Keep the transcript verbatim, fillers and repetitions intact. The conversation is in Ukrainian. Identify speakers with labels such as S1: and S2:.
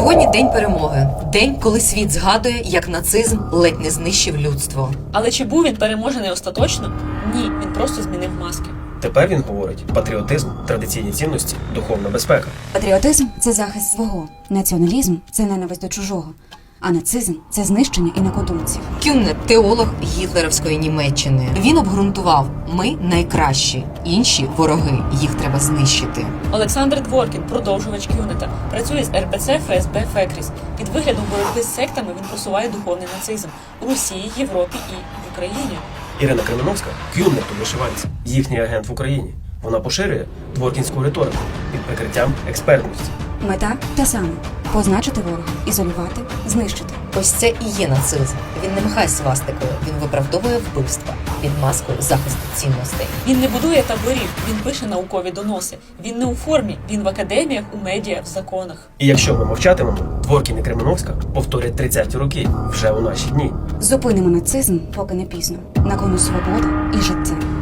S1: Сьогодні день перемоги. День, коли світ згадує, як нацизм ледь не знищив людство.
S2: Але чи був він переможений остаточно? Ні, він просто змінив маски.
S3: Тепер він говорить: патріотизм, традиційні цінності, духовна безпека.
S4: Патріотизм – це захист свого, націоналізм – це ненависть до чужого, а нацизм – це знищення інакодумців.
S1: Кюнне – теолог гітлерівської Німеччини. Він обґрунтував: ми найкращі, інші вороги, їх треба знищити.
S2: Олександр Дворкін, продовжувач Кюнета, працює з ер пе це еф ес бе Фекріс. Під виглядом боротьби з сектами він просуває духовний нацизм у Росії, Європі і в Україні.
S3: Ірина Кременовська – кюннет у вишиванці, їхній агент в Україні. Вона поширює дворкінську риторику під прикриттям експертності.
S4: Мета та сама – позначити ворога, ізолювати, знищити.
S1: Ось це і є нацизм. Він не махає свастикою, він виправдовує вбивства під маскою захисту цінностей.
S2: Він не будує таборів, він пише наукові доноси. Він не у формі, він в академіях, у медіа, в законах.
S3: І якщо ми мовчатимемо, Дворкін і Кременовська повторять тридцяті роки вже у наші дні.
S4: Зупинимо нацизм, поки не пізно. На кону свобода і життя.